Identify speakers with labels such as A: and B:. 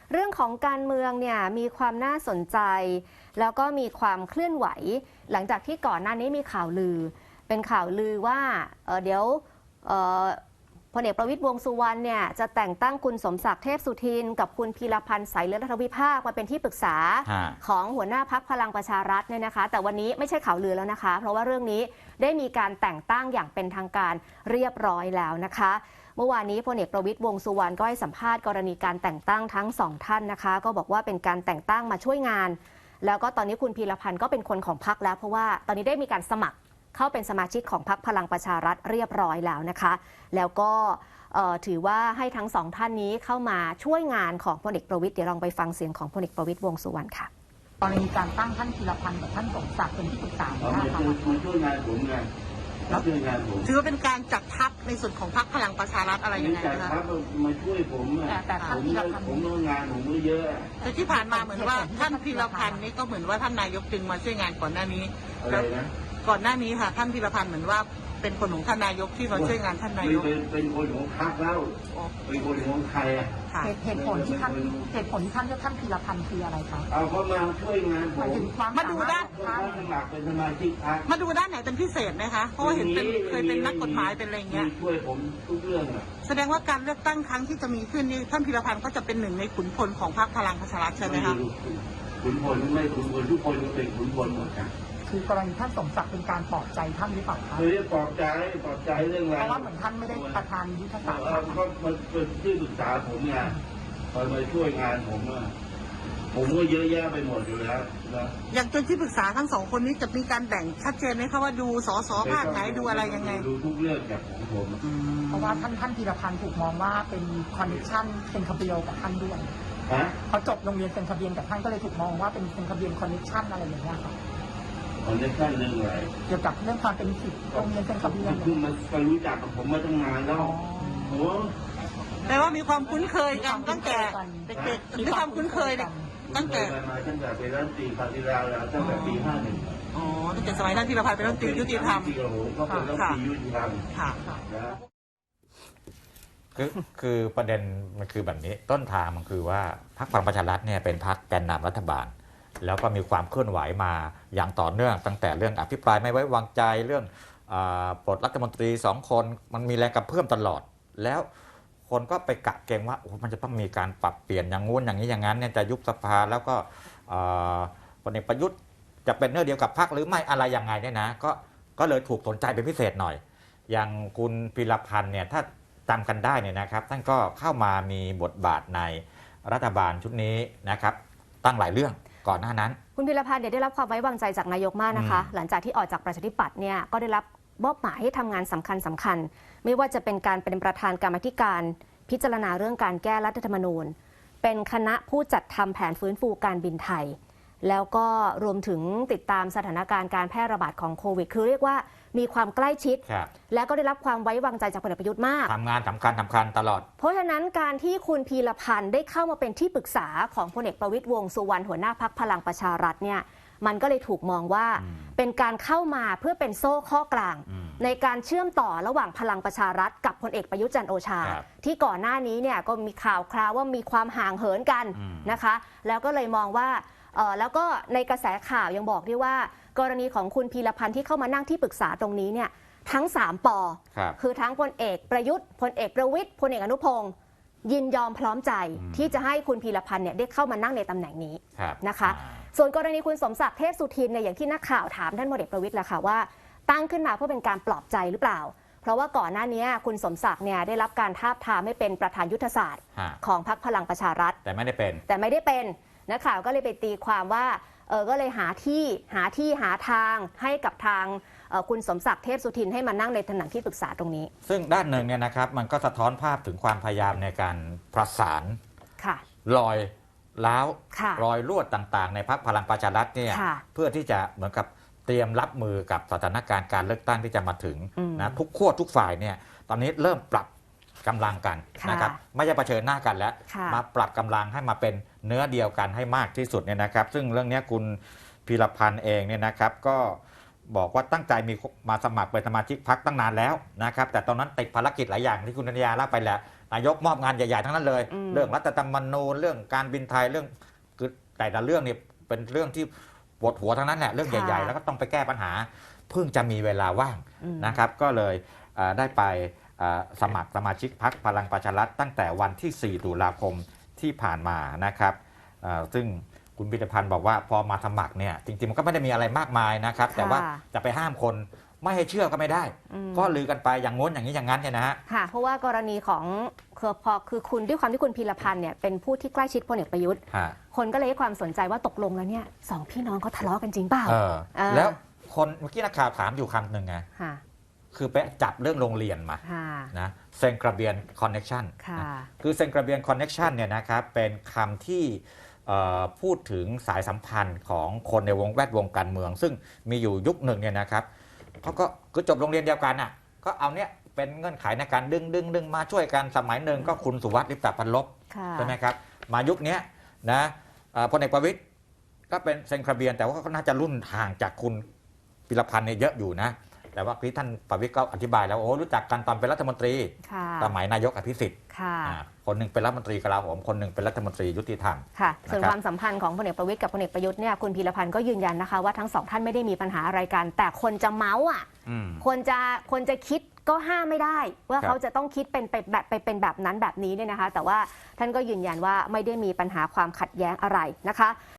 A: เรื่องของการเมืองเนี่ยมีความน่าสนใจ แล้วก็มีความเคลื่อนไหว หลังจากที่ก่อนหน้านี้มีข่าวลือ เป็นข่าวลือว่าเดี๋ยวพลเอกประวิตรวงษ์สุวรรณเนี่ยจะแต่งตั้งคุณสมศักดิ์เทพสุทินกับคุณพีรพันธ์สายเลือดรัฐวิภาคมาเป็นที่ปรึกษาของหัวหน้าพรรคพลังประชารัฐเนี่ยนะคะแต่วันนี้ไม่ใช่ข่าวลือแล้วนะคะเพราะว่าเรื่องนี้ได้มีการแต่งตั้งอย่างเป็นทางการเรียบร้อยแล้วนะคะเมื่อวานนี้พลเอกประวิตรวงษ์สุวรรณก็ให้สัมภาษณ์กรณีการแต่งตั้งทั้งสองท่านนะคะก็บอกว่าเป็นการแต่งตั้งมาช่วยงานแล้วก็ตอนนี้คุณพีรพันธ์ก็เป็นคนของพรรคแล้วเพราะว่าตอนนี้ได้มีการสมัครเข้าเป็นสมาชิกของพรรคพลังประชารัฐเรียบร้อยแล้วนะคะแล้วก็ถือว่าให้ทั้งสองท่านนี้เข้ามาช่วยงานของพลเอกประวิตรเดี๋ยวลองไปฟังเสียงของพลเอกประวิตรวงษ์สุวรรณค่ะ
B: กรณีการตั้งท่านพีรพันธ์กับท่านสมศักดิ์เป็นที่ปรึกษา
C: มาช่วยงานผมไงรับช่วยงานผม
B: ถือว่าเป็นการจัดทัพในส่วนของพรรคพลังประชารัฐอะไรยังไง
C: คะจัดทัพมาช่วยผมแต่ผมงานผมไม่เยอะ
B: แต่ที่ผ่านมาเหมือนว่าท่านพีรพันธ์นี่ก็เหมือนว่าท่านนายกจึงมาช่วยงานก่อนหน้านี้
C: อะไรนะ
B: ก่อนหน้านี้ค่ะท่านพีรพันธ์เหมือนว่าเป็นคนของท่านนายกที่มาช่วยงานท่านนายก
C: เป็นคนของพรรคแล้วเป็นคนของใคร
B: เหตุผลที่ท่านเลือกท่านพีรพันธ์คืออะไรคะ
C: เอาเขามาช่วยงานผม
B: มาดูด้าน
C: สมัครเป็นสมาชิกพรรค
B: มาดูด้านไหนเป็นพิเศษไหมคะเพราะว่าเห็นเคยเป็นนักกฎหมายเป็นอะไรเงี้ย
C: ช่วยผมทุกเรื่อง
B: แสดงว่าการเลือกตั้งครั้งที่จะมีขึ้นนี่ท่านพีรพันธ์ก็จะเป็นหนึ่งในขุนพลของพรรคพลังประชารัฐใช่ไหมคะ
C: ขุนพลไม่ขุนพลทุกคนก็เป็นขุนพลหมดครับ
B: คือกรณีท่านสมศักดิ์เป็นการปลอบใจท่านหรือเปล่าคะ
C: ไม่ได้ปลอบใจเรื่องอะไร
B: เพราะว่าเหมือนท่านไม่ได้ประธานยุทธศาสตร์
C: ก็มันเป็นที่ปรึกษาผมไงคอยมาช่วยงานผมผมก็เยอะแยะไปหมดอยู่แล้วนะ
B: อย่างตัวที่ปรึกษาทั้งสองคนนี้จะมีการแบ่งชัดเจนไหมคะว่าดูสสภาคไหนดูอะไรยังไง
C: ดูทุกเรื่องจากของผม
B: เพราะว่าท่านพีรพันธ์ถูกมองว่าเป็นคอนเนคชั่นเป็นคาเบียลกับท่านด้วยเขาจบโรงเรียนเป็นคาเบียนกับท่านก็เลยถูกมองว่าเป็นคาเบียนคอนเนคชั่นอะไรอย่างเงี้ยค่ะ
C: คอนเนคชั่นเรื่องอะไร
B: เกี่ยวกับเรื่องความเป็นสิทธิ์โรงเรียนเป็นคาเบียน
C: คือมันก็รู้จักกับผมมาตั้งนานแล้วโอ้
B: แต่ว่ามีความคุ้นเคยกันตั้งแต่เด็กๆมีความคุ้นเคยตั้งแต่
C: เป็นรัฐมนตรีปฏิราแล้วตั้งแต่ปี
B: 51อ๋อตั้งแต่สมัยท่านพีรพันธ์เป็นรัฐมนตรียุติธรรม
C: ก็เป็นรัฐมนตรียุติธรรม
B: ค่ะ
D: คือประเด็นมันคือแบบนี้ต้นทางมันคือว่าพรรคพลังประชารัฐเนี่ยเป็นพรรคแกนนำรัฐบาลแล้วก็มีความเคลื่อนไหวมาอย่างต่อเนื่องตั้งแต่เรื่องอภิปรายไม่ไว้วางใจเรื่องปลดรัฐมนตรี2 คนมันมีแรงกระเพื่อมตลอดแล้วคนก็ไปกะเกณฑ์ว่ามันจะต้องมีการปรับเปลี่ยนอย่างงู้นอย่างนี้อย่างนั้นเนี่ยจะยุบสภาแล้วก็พลเอกประยุทธ์จะเป็นเนื้อเดียวกับพรรคหรือไม่อะไรยังไงเนี่ยนะก็เลยถูกสนใจเป็นพิเศษหน่อยอย่างคุณพีรพันธ์เนี่ยถ้าจำกันได้เนี่ยนะครับท่านก็เข้ามามีบทบาทในรัฐบาลชุดนี้นะครับตั้งหลายเรื่องก่อนหน้านั้น
A: คุณพีรพันธ์ได้รับความไว้วางใจจากนายกมากนะคะหลังจากที่ออกจากประชาธิปัตย์เนี่ยก็ได้รับมอบหมายให้ทำงานสำคัญไม่ว่าจะเป็นการเป็นประธานกรรมธิการพิจารณาเรื่องการแก้รัฐธรรมนูญเป็นคณะผู้จัดทำแผนฟื้นฟูการบินไทยแล้วก็รวมถึงติดตามสถานการณ์การแพร่ระบาดของโควิดคือเรียกว่ามีความใกล้ชิดและก็ได้รับความไว้วางใจจากพลเอกประยุทธ์มาก
D: ทำงานสำคัญตลอด
A: เพราะฉะนั้นการที่คุณพีรพันธ์ได้เข้ามาเป็นที่ปรึกษาของพลเอกประวิตรวงษ์สุวรรณหัวหน้าพรรคพลังประชารัฐเนี่ยมันก็เลยถูกมองว่าเป็นการเข้ามาเพื่อเป็นโซ่ข้อกลางในการเชื่อมต่อระหว่างพลังประชารัฐกับพลเอกประยุทธ์จันทร์โอชาที่ก่อนหน้านี้เนี่ยก็มีข่าวคราวว่ามีความห่างเหินกันนะคะแล้วก็เลยมองว่าแล้วก็ในกระแสข่าวยังบอกด้วยว่ากรณีของคุณพีรพันธ์ที่เข้ามานั่งที่ปรึกษาตรงนี้เนี่ยทั้ง3 ป.คือทั้งพลเอกประยุทธ์พลเอกประวิตรพลเอกอนุพงศ์ยินยอมพร้อมใจที่จะให้คุณพีรพันธ์เนี่ยได้เข้ามานั่งในตำแหน่งนี้นะคะส่วนกรณีคุณสมศักดิ์เทพสุทินเนี่ยอย่างที่นักข่าวถามท่านพลเอกประวิตรแหละค่ะว่าตั้งขึ้นมาเพื่อเป็นการปลอบใจหรือเปล่าเพราะว่าก่อนหน้านี้คุณสมศักดิ์เนี่ยได้รับการทาบทามให้เป็นประธานยุทธศาสตร์ของพรรคพลังประชารัฐ
D: แต่ไม่ได้เป็น
A: นักข่าวก็เลยไปตีความว่าก็เลยหาทางให้กับทางคุณสมศักดิ์เทพสุทินให้มานั่งในตำแหน่งที่ปรึกษาตรงนี้
D: ซึ่งด้านหนึ่งเนี่ยนะครับมันก็สะท้อนภาพถึงความพยายามในการประสานรอยล้าวรอยรั่วต่างๆในพรรคพลังประชารัฐเนี่ยเพื่อที่จะเหมือนกับเตรียมรับมือกับสถานการณ์การเลือกตั้งที่จะมาถึงนะทุกขั้วทุกฝ่ายเนี่ยตอนนี้เริ่มปรับกำลังกันนะครับไม่ใช่เผชิญหน้ากันแล้วมาปรับกำลังให้มาเป็นเนื้อเดียวกันให้มากที่สุดเนี่ยนะครับซึ่งเรื่องนี้คุณพีรพันธ์เองเนี่ยนะครับก็บอกว่าตั้งใจมีมาสมัครเป็นสมาชิกพรรคตั้งนานแล้วนะครับแต่ตอนนั้นติดภารกิจหลายอย่างที่คุณนันยาเล่าไปแล้วนายกมอบงานใหญ่ๆทั้งนั้นเลย เรื่องรัฐธรรมนูญเรื่องการบินไทยเรื่องคือแต่ละเรื่องนี่เป็นเรื่องที่ปวดหัวทั้งนั้นแหละเรื่องใหญ่ๆแล้วก็ต้องไปแก้ปัญหาเพิ่งจะมีเวลาว่างนะครับก็เลยได้ไปสมัครสมาชิกพรรคพลังประชารัฐตั้งแต่วันที่ 4 ตุลาคมที่ผ่านมานะครับซึ่งคุณพิธภัณฑ์บอกว่าพอมาสมัครเนี่ยจริงๆมันก็ไม่ได้มีอะไรมากมายนะครับแต่ว่าจะไปห้ามคนไม่ให้เชื่อก็ไม่ได้ก็ลือกันไปอย่างง้นอย่างนี้อย่างนั้นเนี่ยนะฮะ
A: ค่ะเพราะว่ากรณีของคือคุณด้วยความที่คุณพีรพันธ์เนี่ยเป็นผู้ที่ใกล้ชิดพลเอกประยุทธ์คนก็เลยให้ความสนใจว่าตกลงแล้วเนี่ยสองพี่น้องเขาทะเลาะกันจริงเปล่า
D: แล้วคนเมื่อกี้นักข่าวถามอยู่คำหนึ่งไงคือไปจับเรื่องโรงเรียนมานะเซนกระเบียนคอนเน็ชันคือเซนกระเบียนคอนเน็ชันเนี่ยนะครับเป็นคำที่พูดถึงสายสัมพันธ์ของคนในแวดวงการเมืองซึ่งมีอยู่ยุคหนึ่งเนี่ยนะครับเขาก็คือจบโรงเรียนเดียวกันอ่ะก็เอาเนี้ยเป็นเงื่อนไขในการดึงมาช่วยกันสมัยหนึ่งก็คุณสุวัสดิ์ลิปตพันลบใช่ไหมครับมายุคนี้นะพลเอกประวิตรก็เป็นเซนกระเบียนแต่ว่าก็น่าจะรุ่นห่างจากคุณพิรพันธ์เนี่ยเยอะอยู่นะแต่ว่าที่ท่านประวิตรก็อธิบายแล้วโอ้รู้จักกันตอนเป็นรัฐมนตรีสมัยนายกอภิสิทธิ์คนหนึ่งเป็นรัฐมนตรีกลาโหมคนหนึ่งเป็นรัฐมนตรียุติธรรม
A: ค่ะส่วนความสัมพันธ์ของพลเอกประวิตรกับพลเอกประยุทธ์เนี่ยคุณพีรพันธ์ก็ยืนยันนะคะว่าทั้งสองท่านไม่ได้มีปัญหาอะไรกันแต่คนจะเมาส์อ่ะคนจะคิดก็ห้ามไม่ได้ว่าเขาจะต้องคิดเป็นแบบนั้นแบบนี้เนี่ยนะคะแต่ว่าท่านก็ยืนยันว่าไม่ได้มีปัญหาความขัดแย้งอะไรนะคะ